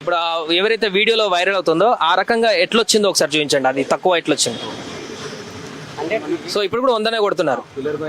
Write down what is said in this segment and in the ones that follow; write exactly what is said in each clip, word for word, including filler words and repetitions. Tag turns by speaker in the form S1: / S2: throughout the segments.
S1: ఇప్పుడు ఆ ఎవరైతే వీడియోలో వైరల్ అవుతుందో ఆ రకంగా ఎట్లొచ్చిందో ఒకసారి చూపించండి, అది తక్కువ ఎట్లొచ్చింది. సో ఇప్పుడు కూడా వందనే కొడుతున్నారు,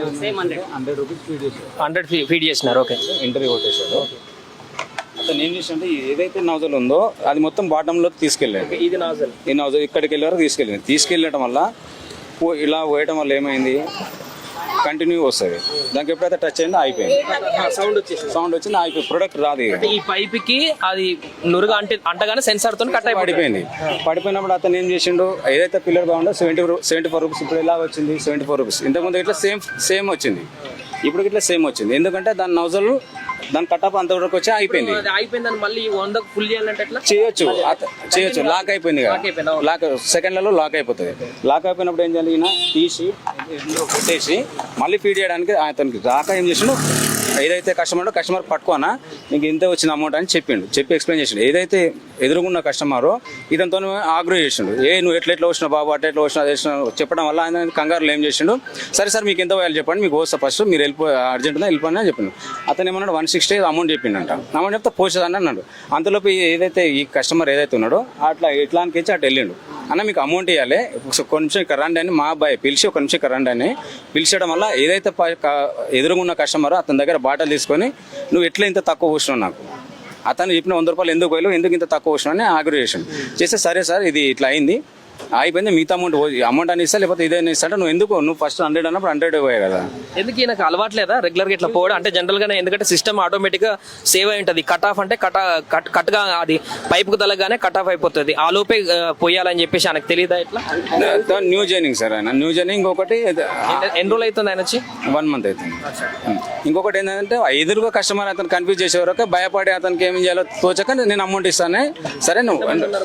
S1: హండ్రెడ్ ఫీడ్ చేసినారు. ఓకే,
S2: ఇంటర్వ్యూ కొట్టేశారు. అతను ఏం చేసి అంటే ఏదైతే నౌజల్ ఉందో అది మొత్తం బాటంలోకి తీసుకెళ్ళాడు.
S1: ఇది నాజల్,
S2: ఈ నౌజల్ ఇక్కడికి వెళ్ళారు, తీసుకెళ్ళింది. తీసుకెళ్ళడం వల్ల పో- ఇలా పోయడం వల్ల ఏమైంది, కంటిన్యూ వస్తుంది. దానికి ఎప్పుడైతే టచ్ అయిందో అయిపోయింది,
S1: సౌండ్ వచ్చేసి
S2: సౌండ్ వచ్చింది, అయిపోయి ప్రొడక్ట్ రాదు. ఇక
S1: ఈ పైప్ కి అది నురుగా అంటే అంటగానే సెన్సార్ తో కట్ అయిపోయింది.
S2: పడిపోయింది. పడిపోయినప్పుడు అతను ఏం చేసిండు, ఏదైతే పిల్లర్ బాగుందో సెవెంటీ సెవెంటీ ఫోర్ రూపీస్ ఇప్పుడు ఎలా వచ్చింది, సెవెంటీ ఫోర్ రూపీస్ ఇంతకుముందు ఇట్లా సేమ్ సేమ్ వచ్చింది, ఇప్పుడు ఇట్లా సేమ్ వచ్చింది. ఎందుకంటే దాని నౌజల్ దాని కట్టప్ అంతవరకు వచ్చి అయిపోయింది.
S1: అది అయిపోయిందని మళ్ళీ వందకు ఫుల్ చేయాలంటే ఎట్లా
S2: చేయొచ్చు, అత- చేయొచ్చు. లాక్ అయిపోయింది కదా, లాక్ సెకండ్లలో లాక్ అయిపోతుంది. లాక్ అయిపోయినప్పుడు ఏం చేయాలి, ఈయన తీసి ఇందులో కొట్టేసి మళ్ళీ ఫీడ్ చేయడానికి అతనికి రాక ఏం చేసిండు, ఏదైతే కస్టమర్ కస్టమర్ పట్టుకోనా నీకు ఇంత వచ్చిన అమౌంట్ అని చెప్పిండు, చెప్పి ఎక్స్ప్లెయిన్ చేసిండు. ఏదైతే ఎదురుగున్న కస్టమర్ ఇదంతో ఆగ్రో చేసిండు, ఏ నువ్వు ఎట్లా ఎట్లా వచ్చినావు బాబు, అట్లా ఎట్లా వచ్చినా చేసిన చెప్పడం వల్ల ఆయన కంగారులో ఏం చేసిండు, సరే సార్ మీకు ఎంత పోయాలి చెప్పండి, మీకు వస్తా ఫస్ట్ మీరు వెళ్ళిపో అర్జెంట్ ఉందా వెళ్ళిపోయినా అని చెప్పిండు. అతను ఏమన్నాడు వన్ సిక్స్టీ అమౌంట్ చెప్పిండంట. అమౌంట్ చెప్తే పోసేదని అన్నాడు. అంతలోపు ఏదైతే ఈ కస్టమర్ ఏదైతే ఉన్నాడో అట్లా ఎట్లా అనిపించి అటు వెళ్ళిండు. అన్న మీకు అమౌంట్ ఇవ్వాలి, ఒక నిమిషం ఇక్కడ రండి అని మా అబ్బాయి పిలిచి ఒక నిమిషం ఇక్కడ రండి అని పిలిచడం వల్ల ఏదైతే ఎదురుగున్న కస్టమర్ అతని దగ్గర బాటలు తీసుకొని నువ్వు ఎట్లా ఇంత తక్కువ పోసినావు నాకు, అతను చెప్పిన వంద రూపాయలు ఎందుకు పోయాలి, ఎందుకు ఇంత తక్కువ పోసినావు అని ఆగ్రహం చేసాను. చేస్తే సరే సార్ ఇది ఇట్లా అయింది, అయిపోయింది, మిగతా అమౌంట్ అమౌంట్ అని ఇస్తా లేకపోతే ఇదే ఇస్తా అంటే నువ్వు ఎందుకు నువ్వు ఫస్ట్ హండ్రెడ్ అన్నప్పుడు హండ్రెడ్ పోయాయి కదా.
S1: ఎందుకు నాకు అలవాట్లేదా రెగ్యులర్ గా ఇట్లా పోవడం అంటే జనరల్ గానే, ఎందుకంటే సిస్టమ్ ఆటోమేటిక్ గా సేవ్ అయి ఉంటుంది. కట్ ఆఫ్ అంటే కట్ కట్ కట్ గా అది పైప్ కు తలగానే కట్ ఆఫ్ అయిపోతుంది, ఆ లోపే ఆ, పోయాలని చెప్పేసి ఆయనకు తెలియదా ఇట్లా.
S2: న్యూ జర్నింగ్ సార్ ఆయన న్యూ జర్నింగ్. ఇంకొకటి
S1: ఎన్ని రోజులు అవుతుంది ఆయన వచ్చి?
S2: వన్ మంత్ అవుతుంది. ఇంకొకటి ఏంటంటే ఎదురుగా కస్టమర్ అతను కన్ఫ్యూజ్ చేసే వరకు భయపడి అతనికి ఏం చేయాలో తోచక నేను అమౌంట్ ఇస్తానే సరే నువ్వు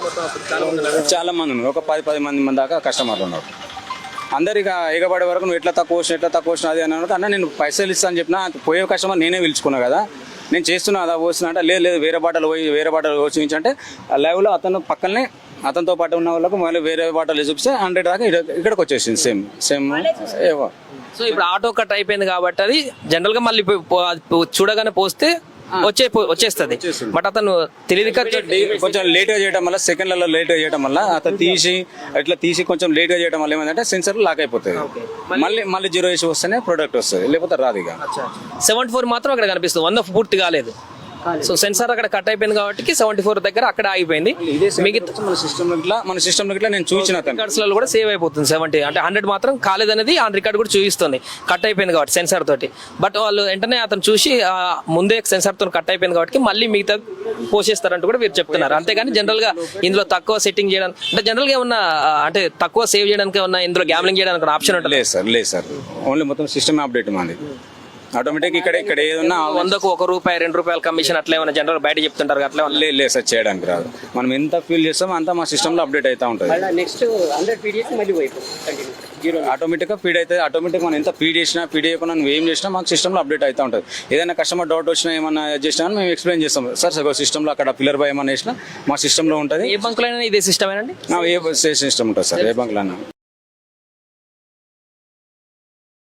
S2: చాలా మంది ఉన్నారు, ఒక పది పది మంది మంది దాకా కస్టమర్లు ఉన్నారు. అందరిక ఎగబడే వరకు నువ్వు ఎట్లా తక్కువ వచ్చిన ఎట్లా తక్కువ వచ్చిన అది అన్నది అన్న నేను పైసలు ఇస్తాను చెప్పిన పోయే కస్టమర్ నేనే పిలుచుకున్నా కదా నేను చేస్తున్నా అదా పోస్తున్నా అంటే లేదు లేదు వేరే బాటలు పోయి వేరే బాటలు చూపించంటే లైవ్లో అతను పక్కనే అతనితో పాటు ఉన్న వాళ్ళకు మళ్ళీ వేరే బాటలు చూపిస్తే హండ్రెడ్ దాకా ఇక్కడికి వచ్చేసింది సేమ్ సేమ్ ఏవో.
S1: సో ఇప్పుడు ఆటో కట్ అయిపోయింది కాబట్టి అది జనరల్ గా మళ్ళీ పో- పో- చూడగానే పోస్తే వచ్చే వచ్చేస్తుంది. బట్ అతను తెలియదు
S2: కొంచెం లేట్ గా చేయడం వల్ల సెకండ్లలో లేట్ గా చేయడం వల్ల అతను తీసి ఇట్లా తీసి కొంచెం లేట్ గా చేయడం వల్ల ఏమైందంటే సెన్సర్ లాక్ అయిపోతుంది. మళ్ళీ మళ్ళీ జీరో వేసి వస్తేనే ప్రోడక్ట్ వస్తుంది, లేకపోతే రాదు. ఇక
S1: సెవెంటీ ఫోర్ మాత్రం అక్కడ కనిపిస్తుంది, వంద పూర్తి కాలేదు. సో సెన్సార్ అక్కడ కట్ అయిపోయింది కాబట్టి సెవెంటీ ఫోర్ దగ్గర అక్కడ ఆగిపోయింది. మిగతా
S2: మన సిస్టమ్ ఇట్లా మన సిస్టమ్ ఇట్లా నేను చూసిన
S1: రికార్డ్స్ లో కూడా సేవ్ అయిపోతుంది. సెవెంటీ అంటే హండ్రెడ్ మాత్రం కాలేదనేది ఆ రికార్డ్ కూడా చూపిస్తుంది, కట్ అయిపోయింది కాబట్టి సెన్సార్ తోటి. బట్ వాళ్ళు వెంటనే అతను చూసి ఆ, ముందే సెన్సార్ తో కట్ అయిపోయింది కాబట్టి మళ్ళీ మిగతా పోసేస్తారంటూ కూడా మీరు చెప్తున్నారు. అంతేగాని జనరల్ గా ఇందులో తక్కువ సెట్టింగ్ చేయడానికి అంటే జనరల్ గా ఏమన్నా అంటే తక్కువ సేవ్ చేయడానికి ఏమన్నా ఇందులో గ్యామ్లింగ్ చేయడానికి ఆప్షన్ ఉంటుంది?
S2: లేదు సార్, లేదు సార్, ఓన్లీ మొత్తం సిస్టమ్ అప్డేట్ మాది ఆటోమేటిక్. ఇక్కడ ఇక్కడ ఏదన్నా
S1: వందకు ఒక రూపాయి రెండు రూపాయల కమిషన్ అట్లా ఏమైనా జనరల్ బయట చెప్తుంటారు అట్లా ఏమన్నా?
S2: లేదు లేదు సార్, చేయడానికి రాదు. మనం ఎంత ఫీల్ చేస్తామో అంతా మా సిస్టమ్ లో అప్డేట్ అవుతా ఉంటుంది.
S1: నెక్స్ట్ హండ్రెడ్ పీడిఎస్ మళ్ళీ
S2: ఆటోమేటిక్ గా ఫీడ్ అయితే ఆటోమేటిక్ మనం ఎంత ఫీడ్ చేసినా ఫీడ్ చేయకుండా నువ్వు ఏం చేసినా మాకు సిస్టమ్ లో అప్డేట్ అవుతా ఉంటుంది. ఏదైనా కస్టమర్ డౌట్ వచ్చినా ఏమన్నా చేసినా మేము ఎక్స్ప్లెయిన్ చేస్తాం. సార్ సగో సిస్టమ్ లో అక్కడ పిల్లర్ బై ఏమన్నా వేసినా మా సిస్టమ్ లో ఉంటుంది.
S1: ఏ బంకులైనా ఇదే సిస్టమ్ ఏనండి?
S2: ఏ సిస్టమ్ ఉంటుంది సార్, ఏ బంక్ లో